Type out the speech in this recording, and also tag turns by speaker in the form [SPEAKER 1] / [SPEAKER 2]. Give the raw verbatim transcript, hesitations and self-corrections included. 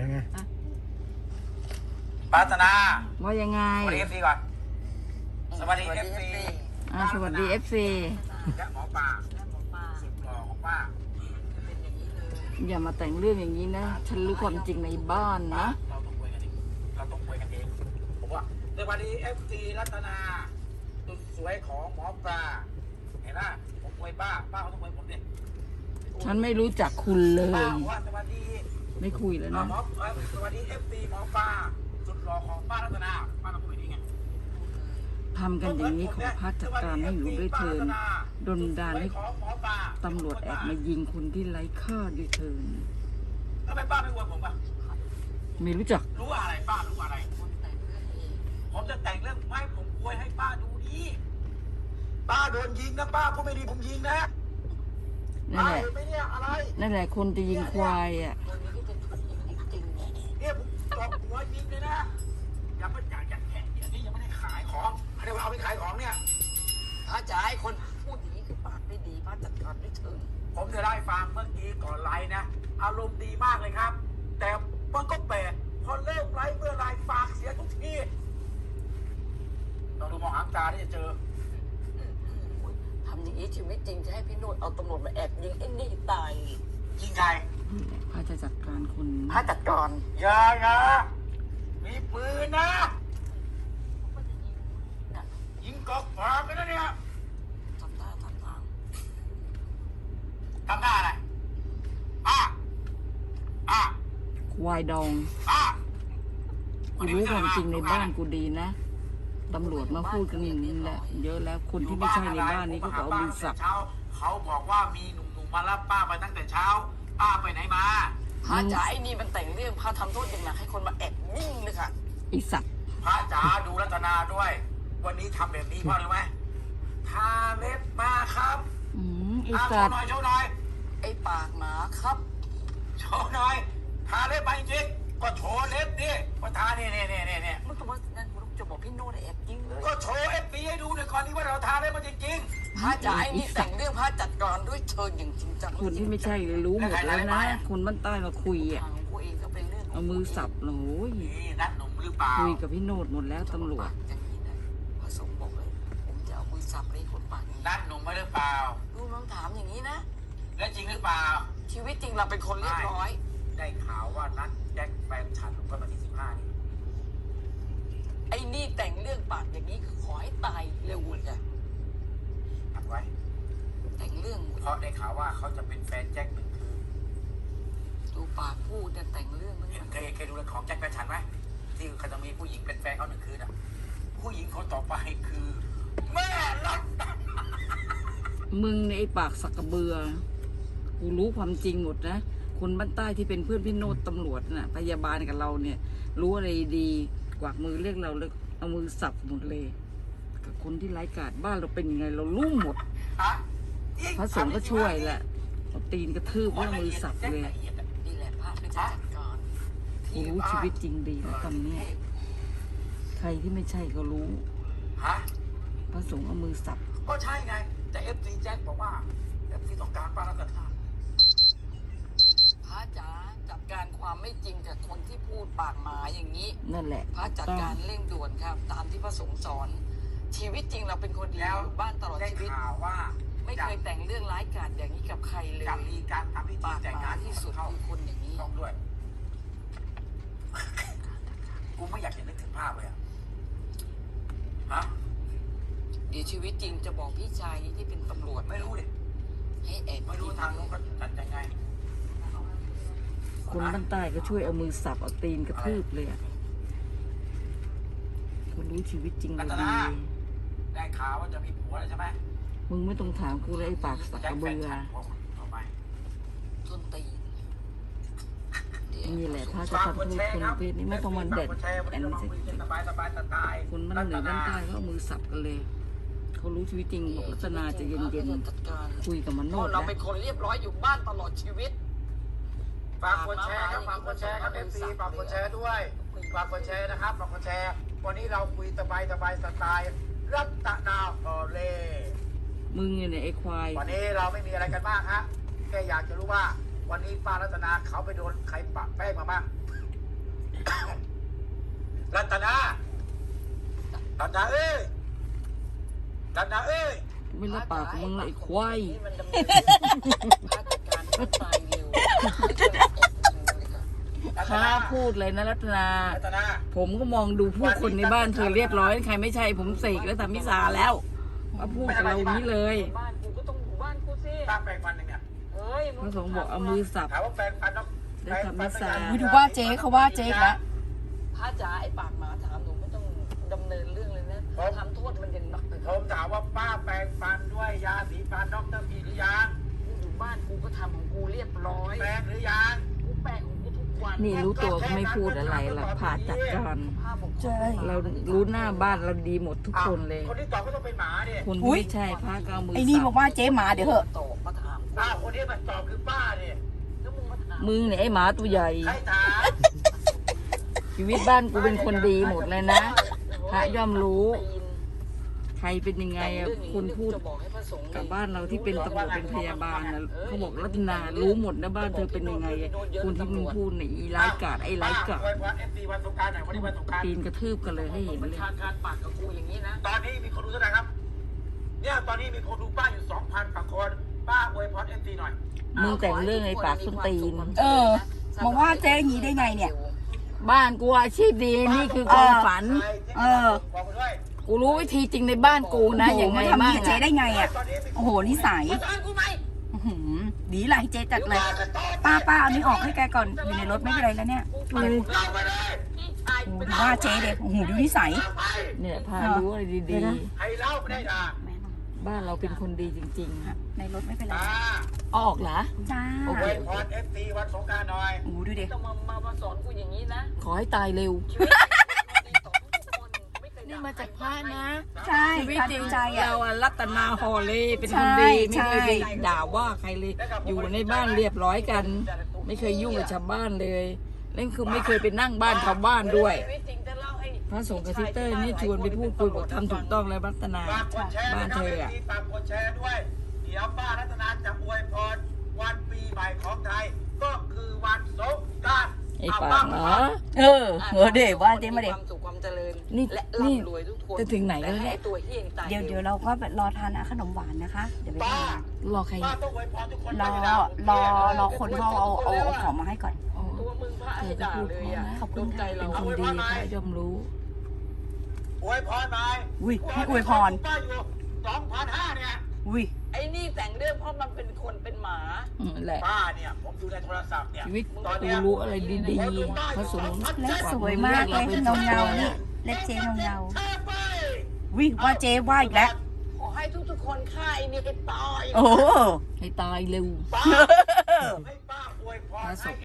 [SPEAKER 1] เป็นไง
[SPEAKER 2] ปรารถนา
[SPEAKER 3] ว่ายังไง
[SPEAKER 2] สวัสดีเอฟซีก่อนสวัสดีเอฟซี
[SPEAKER 3] สวัสดีเอฟซี
[SPEAKER 2] และหมอปลาสุดหล่อของป้า
[SPEAKER 3] อย่ามาแต่งเรื่องอย่างนี้นะฉันรู้ความจริงในบ้านนะ
[SPEAKER 2] เราต้องคุยกันเองเราต้องคุยกันเองผมว่าสวัสดีเอฟซีรัตนาสุดสวยของหมอปลาเห็นไหมผมคุยป้าป้าเขาต้องคุยผมดิ
[SPEAKER 3] ฉันไม่รู้จักคุณเลยไม่คุยแล้วนะ
[SPEAKER 2] สวัสดีเอฟซีหมอปลาสุดหล่อของป้ารัตนาป้าต้องคุยดีไง
[SPEAKER 3] ทำกันอย่างนี้ขอพักจัดการให้อยู่ด้วยเถินดลดาลให้ตำรวจแอบมายิงคนที่ไร้ค่าด้วยเถิน
[SPEAKER 2] ทำไมป้าไม่อวยผมอ่ะ
[SPEAKER 3] ไม่รู้จัก
[SPEAKER 2] รู้อะไรป้ารู้อะไรผมจะแต่งเรื่องไม่ผมอวยให้ป้าดูดีป้าโดนยิงนะป้าพูดไม่ดีผมยิงนะ
[SPEAKER 3] นั่นแหละ
[SPEAKER 2] อะไร
[SPEAKER 3] นั่นแหละคนจะยิงควายอ่ะ
[SPEAKER 2] เนี่ยผมตบหัวยิงเลยนะยังไม่อยากอยากแข่งเนี่ยนี่ยังไม่ได้ขายของเดี๋ยวเอาไปขายของเนี่ย
[SPEAKER 4] ถ้าจะให้คนพูดอย่างนี้คือปากไม่ดีป้าจัดการไม่ถึง
[SPEAKER 2] ผมจะได้ฟังเมื่อกี้ก่อนไลน์นะอารมณ์ดีมากเลยครับ แต่มันก็แปลกพอเริ่มไลฟ์เมื่อไลฟ์ปากเสียทุกทีเราดูมองหางตาที่จะเจอ
[SPEAKER 4] ทำอย่างนี้ชีวิตจริงจะให้พี่โนดเอาตำรวจมาแอบยิงไอ้นี่ตาย
[SPEAKER 2] ยิงใคร
[SPEAKER 3] พระจะจัดการคน
[SPEAKER 4] พระจัดการ
[SPEAKER 2] อย่าอย่ามีปืนนะยิงกอกปากกันนะเนี่ย
[SPEAKER 4] ทำท่าทำทาง
[SPEAKER 2] ทำท่าอะไรอ่ะอ่ะ
[SPEAKER 3] ควายดอง
[SPEAKER 2] อ่ะ
[SPEAKER 3] กูรู้ความจริงในบ้านกูดีนะตำรวจมาพูดกันอย่างนี้แหละเยอะแล้วคนที่ไม่ใช่ในบ้านนี้ก็เอามือสับ
[SPEAKER 2] เขาบอกว่ามีหนุ่มๆมารับป้าไปตั้งแต่เช้าป้าไปไหนมา
[SPEAKER 4] พระจ๋าไอ้นี่มันแต่งเรื่องพระทำโทษอย่างหนักให้คนมาแอบยิงเลยค่ะ
[SPEAKER 3] ไอ้สัตว์
[SPEAKER 2] พระจ๋าดูรัตนาด้วยวันนี้ทำแบบนี้เพราะอะไรไหมทาเล็บมาครับ
[SPEAKER 3] อืมไอ้สัตว์
[SPEAKER 2] โชว์หน่อยโชว์หน่อย
[SPEAKER 4] ไอ้ปากหมาครับ
[SPEAKER 2] โชว์หน่อยทาเล็บมาจริงก็โชว์เล็บดิว่าทาเนี่ยเนี่ยเนี่ยเนี่ย
[SPEAKER 4] มึงจะมานั่นมึงจะบอกพี่โน้ตแอบยิงเลย
[SPEAKER 2] ก็โชว์เอฟบีให้ดูหน่อยก่อนที่ว่าเราทาเล็บมาจริง
[SPEAKER 4] ๆพระจ๋าไอ้นี่แต่งเรื่องพระจัดการด้วยเชิญอย่างจริงจัง
[SPEAKER 3] คนที่ไม่ใช่รู้หมดแล้วนะคนบ้านใต้มาคุยอ่ะเอามือสับโอ้ย
[SPEAKER 2] นัดหนุ่มหรือเปล่า
[SPEAKER 3] คุยกับพี่โนดหมดแล้วตำรวจ
[SPEAKER 4] พระสงฆ์บอกเลยผมจะเอามือสับเลยคนปากนี้
[SPEAKER 2] นัดหนุ่มไม่หรือเปล่า
[SPEAKER 4] ลูกน้องถามอย่างนี้นะ
[SPEAKER 2] แล้วจริงหรือเปล่า
[SPEAKER 4] ชีวิตจริงเราเป็นคนเรียบร้อย
[SPEAKER 2] ได้ข่าวว่านัดแจ็คแฟนฉันลงไปวันที่สิบห้านี่
[SPEAKER 4] ไอ้นี่แต่งเรื่องปากอย่างนี้คือขอให้ตายเร็วเลยจ้ะ
[SPEAKER 2] ทำไว้
[SPEAKER 4] แต่งเรื่อง
[SPEAKER 2] เพราะได้ข่าวว่าเขาจะเป็นแฟนแจ็คหนึ่งคืน
[SPEAKER 4] ดูปากพูดจะแต่งเรื่อง
[SPEAKER 2] เห็นเคยเคยดูเรื่องของแจ็คแฟนฉันไหมที่เขาจะมีผู้หญิงเป็นแฟนเขาหนึ่งคืนอ่ะผู้หญิงคนต่อไปคือแม่รัก
[SPEAKER 3] มึงในไอ้ปากสักกระเบือกูรู้ความจริงหมดนะคนบ้านใต้ที่เป็นเพื่อนพี่โนดตำรวจน่ะพยาบาลกับเราเนี่ยรู้อะไรดีกวักมือเรียกเราเลยเอามือสับหมดเลยกับคนที่ไร้กาจบ้านเราเป็นยังไงเรารู้หมดพระสงฆ์ก็ช่วยแหละเอาตีนกระทืบว่ามือสับเลย
[SPEAKER 4] นี่แหละพระเป็นจัดการ
[SPEAKER 3] กูรู้ชีวิตจริงดีแล้วตำเนี่ยใครที่ไม่ใช่ก็รู้พระสงฆ์เอามือสับ
[SPEAKER 2] ก็ใช่ไงแต่เอฟซีแจ็คบอกว่าเอฟซีต้องการป้ารัตนา
[SPEAKER 4] พระจ๋าจัดการความไม่จริงจากคนที่พูดปากหมาอย่างนี้
[SPEAKER 3] นั่นแหละ
[SPEAKER 4] พระจัดการเร่งด่วนครับตามที่พระสงฆ์สอนชีวิตจริงเราเป็นคนดีอยู่บ้านตลอดชีวิตไม่เคยแต่งเรื่องร้ายกาจอย่างนี้กับใครเลย
[SPEAKER 2] จะมีการทำพิธีแต่งงาน
[SPEAKER 4] ที่สุดคือคนอย่างนี้
[SPEAKER 2] ต้องด้วยกูไม่อยากจะนึกถึงภาพเลยอะฮะ
[SPEAKER 4] เดี๋ยวชีวิตจริงจะบอกพี่ชายที่เป็นตำรวจ
[SPEAKER 2] ไม่รู้ดิ
[SPEAKER 4] ให้แอบ
[SPEAKER 2] ไม่รู้ทางนู้นเขาจัดยังไง
[SPEAKER 3] คนบ้านใต้ก็ช่วยเอามือสับเอาตีนกระทืบเลยอ่ะเขารู้ชีวิตจริงเลยดี
[SPEAKER 2] ได้ข่าวว่าจะมีผัวแล้วใช่ไหม
[SPEAKER 3] มึงไม่ต้องถามกูเลยไอ้ปากสักกระเบือ
[SPEAKER 4] ต้นตี
[SPEAKER 3] นี่แหละพระจะทำโทษคนประเภทนี้ไม่ต้องมันเด็ดแอนสิคนมันเหนือบ้านใต้เขาเอามือสับกันเลยเขารู้ชีวิตจริงบอกลักษณะจะเย็นๆคุยกับมันโนด
[SPEAKER 4] เราเป็นคนเรียบร้อยอยู่บ้านตลอดชีวิต
[SPEAKER 2] ฝากกดแชร์ครับฝากกดแชร์ครับเอฟซีฝากกดแชร์ด้วยฝากกดแชร์นะครับฝากกดแชร์วันนี้เราคุยสบายสบายสไตล์รัตนาโอเล่
[SPEAKER 3] มึงเนี่ยไอ้ควาย
[SPEAKER 2] วันนี้เราไม่มีอะไรกันมากฮะแค่อยากจะรู้ว่าวันนี้ป้ารัตนาเขาไปโดนใครปะแป้งมาบ้างรัตนารัตนาเอ้ยรัตนาเอ้ย
[SPEAKER 3] ไม่รับปากมึงเลยไอ้ควาย
[SPEAKER 4] นี่มันดำเนินพระจัดการให้ตายเร็วไม่ช่วยออกเงินเลยค่ะ
[SPEAKER 2] รัต
[SPEAKER 3] ข้า
[SPEAKER 2] นา
[SPEAKER 3] พูดเลยนะรัตนา
[SPEAKER 2] รัตนา
[SPEAKER 3] ผมก็มองดูผู้คนในบ้านเธอเรียบร้อยใครไม่ใช่ผมเสกและทำมิสาแล้วมาพูดกับเรานี้เลย
[SPEAKER 4] บ้านกูก็ต้องอยู่บ้านกูสิ
[SPEAKER 2] ตั้งแปลงฟันหนึ่งเนี่ย
[SPEAKER 4] เฮ้ย
[SPEAKER 3] พระสงฆ์บอกเอามือสับ
[SPEAKER 2] ถามว่าแปลงฟันต้อง
[SPEAKER 3] ได้ทำมิสา
[SPEAKER 1] อุ๊ยดูว่าเจ๊เขาว่าเจ๊อีกแล้ว
[SPEAKER 4] พระจ๋าไอ้ปากหมาถามหนูไม่ต้องดำเนินเรื่องเลยนะทำโทษมันยังหนักเลย
[SPEAKER 2] ผมถามว่าป้าแปลงฟันด้วยยาสีฟันด็อกเตอร์พีหรือยัง
[SPEAKER 4] กูอยู่บ้านกูก็ทำของกูเรียบร้อย
[SPEAKER 2] แปลงหรือยัง
[SPEAKER 4] กูแปลงของกูทุกวัน
[SPEAKER 3] นี่รู้ตัวก็ไม่พูดอะไรหรอกผ่าจัดการ
[SPEAKER 4] ผ้าบอก
[SPEAKER 1] ใช่
[SPEAKER 3] เรารู้หน้าบ้านเราดีหมดทุกคนเลย
[SPEAKER 2] คนที่ตอบก็ต้องเป็นหมาดิ
[SPEAKER 3] คน
[SPEAKER 1] อุ๊
[SPEAKER 3] ที่
[SPEAKER 1] ย
[SPEAKER 3] ไม่ใช่พระก็เอามือ
[SPEAKER 1] ไอ้นี่บ
[SPEAKER 3] สั
[SPEAKER 1] อกว่าเจ๊หมาเดี๋ยวเหอะ
[SPEAKER 4] ตอบมาถามกู
[SPEAKER 2] อ้าวคนที่มาตอบคือป้าดิ
[SPEAKER 4] แล้วมึงมาถาม
[SPEAKER 3] มึงเนี่ยไอ้หมาตัวใหญ่
[SPEAKER 2] ใครถาม
[SPEAKER 3] ชีวิตบ้านกูเป็นคนดีหมดเลยนะ พระย่อมรู้ ใครเป็นยังไงอะคนพูด
[SPEAKER 4] จะบอกให้พระสงฆ์
[SPEAKER 3] กับบ้านเราที่เป็นตำรวจเป็นพยาบาลนะเขาบอกรัตนารู้หมดนะบ้านเธอเป็นยังไงอะคนที่มึงพูดเนี่ยอีร้ายกาจไอ้ร้ายกาจ
[SPEAKER 2] อวยพรเอฟซีวันสงกรานต์หน่อยวันนี้วันสงกรานต์
[SPEAKER 3] ปีนกระทืบกันเลยให้เห็น
[SPEAKER 4] บัญ
[SPEAKER 3] เลย
[SPEAKER 4] ชาการปากกับกูอย่างนี้นะ
[SPEAKER 2] ตอนนี้มีคนดูเท่าไหร่ครับ เนี่ยตอนนี้มีคนดูป้าอยู่สองพันกว่าคน ป้าอวยพรเอฟซีหน่อย
[SPEAKER 3] มึงแต่งเรื่องไอ้ปากส้นตีน
[SPEAKER 1] เออมาว่าเจ๊อย่างนี้ได้ไงเนี่ย
[SPEAKER 3] บ้านกูอาชีพดีนี่คือความฝัน
[SPEAKER 1] เออ
[SPEAKER 2] บอกมาด้วย
[SPEAKER 3] กูรู้วิธีจริงในบ้านกูนะ
[SPEAKER 1] โอ้โห
[SPEAKER 3] อย่างไง
[SPEAKER 1] มาทำ
[SPEAKER 3] บ้าง
[SPEAKER 1] นี่เจ๊ได้ไงอ่ะ
[SPEAKER 2] ตอนนี้มี
[SPEAKER 1] โอ้โหนิสัย
[SPEAKER 4] มาถามกูไหม
[SPEAKER 1] อื้อหือดีไรเจ๊จัดเลย ป้าป้าเอานี่ออกให้แกก่อนอยู่ในรถไม่เป็นไรแล้วเนี่ย
[SPEAKER 4] กูไป
[SPEAKER 2] เราไปเลย
[SPEAKER 4] พี่ชาย
[SPEAKER 1] โอ้โห
[SPEAKER 4] เป็น
[SPEAKER 1] ดูว่าเจ๊เด็กโอ้โหดูนิสัย
[SPEAKER 2] เอาไป
[SPEAKER 3] เนี่ยพารู้อะไรดี
[SPEAKER 2] ให้เล่าไม่ได้ด่า
[SPEAKER 1] แม่น้อง
[SPEAKER 3] ๆ บ้านเราเป็นคนดีจริง
[SPEAKER 1] ในรถไม่เป็นไร
[SPEAKER 2] ตา
[SPEAKER 3] ๆเอาออกเหรอ
[SPEAKER 1] จ้า
[SPEAKER 3] โอ
[SPEAKER 2] อ
[SPEAKER 3] เค
[SPEAKER 2] วยพรเอฟซีวันสงกรานต์หน่อย
[SPEAKER 1] โอ้โหดูเด็ก
[SPEAKER 4] ต้องมามามาสอนกูอย่างนี้นะ
[SPEAKER 3] ขอให้ตายเร็ว
[SPEAKER 4] ชีวิตดีต่อทุกคนไม่เคย
[SPEAKER 3] นี่มาจากพระนะ
[SPEAKER 1] ใช่
[SPEAKER 3] ชีวิต
[SPEAKER 1] การ
[SPEAKER 3] จริง
[SPEAKER 1] ใจอ่ะ
[SPEAKER 3] เราอะรัตนาฮอลเล่เป็นคนดี
[SPEAKER 1] ใช่
[SPEAKER 3] ไม่เคย
[SPEAKER 1] ใช่
[SPEAKER 3] ไปด่าว่าใครเลย อยู่ในบ้านเรียบร้อยกัน ไม่เคยยุ่งกับชาวบ้านเลยเล่นคือไม่เคยไปนั่งบ้านชาวบ้านด้วย
[SPEAKER 4] ชีวิตจริงจะเล่าให้
[SPEAKER 3] พระสงฆ์กับทิเตอร์นี่ชวนไปพูดคุยบอกทำถูกต้องแล้วรัตนา
[SPEAKER 2] ฝากกดแชร์
[SPEAKER 3] บ้าน
[SPEAKER 2] นะค
[SPEAKER 3] เธ
[SPEAKER 2] รับ
[SPEAKER 3] ออะ
[SPEAKER 2] เอฟซีฝากกดแชร์ด้วย เดี๋ยวป้ารัตนาจะอวยพรวันปีใหม่ของไทย ก็คือวันสงกรานต์
[SPEAKER 3] ไอ้ปากเหรอ
[SPEAKER 1] เออเออเด็กว่าเจ๊มาเด็ก
[SPEAKER 4] ความสุขความเจริญ
[SPEAKER 3] นี่
[SPEAKER 4] และ
[SPEAKER 3] นี่
[SPEAKER 4] ร่ำรวยทุกคน
[SPEAKER 3] จะถึงไหนแล้วเนี่ย
[SPEAKER 4] ต่ให้ตัวเฮี้ยงตาย
[SPEAKER 1] เดี๋ยวเดี๋ยวเราก็รอทานขนมหวานนะคะ เดี๋ยวไป
[SPEAKER 2] ป้า
[SPEAKER 1] ทาน
[SPEAKER 3] รอใคร
[SPEAKER 2] ป้าต้องอวยพรทุกคน
[SPEAKER 1] รอรอรอคนเขาเอาเอาเอาของมาให้ก่อน
[SPEAKER 3] อ๋อ
[SPEAKER 4] ตัวมึงพระ
[SPEAKER 3] เธ
[SPEAKER 4] ให้
[SPEAKER 3] อก็
[SPEAKER 4] ด่า
[SPEAKER 3] พูด
[SPEAKER 4] เล
[SPEAKER 3] เพ
[SPEAKER 4] ย
[SPEAKER 3] ราะ
[SPEAKER 4] อ่ะ
[SPEAKER 3] นะ
[SPEAKER 1] ขอบคุ
[SPEAKER 4] โด
[SPEAKER 1] ณ
[SPEAKER 4] นใจ
[SPEAKER 1] ค่ะ
[SPEAKER 4] เรา
[SPEAKER 3] เป็นคนดีพระย่อมรู้
[SPEAKER 2] อวยพรหน่อย
[SPEAKER 1] อุ้ยให้อวยพร
[SPEAKER 2] ป้าอยู่สองพันห้าเนี่ย
[SPEAKER 1] อุ้ย
[SPEAKER 4] ไอ้นี่แต่งเรื่องเพราะมันเป็นคนเป็นหมา
[SPEAKER 3] อืมแหละ
[SPEAKER 2] ป้าเนี่ยผมดูในโทรศัพท์เนี่ย
[SPEAKER 3] ชีวิตกูรู้อะไรดีๆพระสงฆ์
[SPEAKER 1] เล็บสวยมากเลยเงาเงาๆนี่เล็บเจ๊เงาเงา
[SPEAKER 2] แชร์ไป
[SPEAKER 1] ๆอุ้ยว่าเจ๊ว่าอีกแล้ว
[SPEAKER 4] ขอให้ทุกๆคนฆ่าไอ้นี่ให้ตาย
[SPEAKER 1] โอ้
[SPEAKER 3] ให้ตายเร็ว
[SPEAKER 2] ป้าให้ป้าอวยพร
[SPEAKER 3] พระส
[SPEAKER 2] ให้
[SPEAKER 3] งฆ์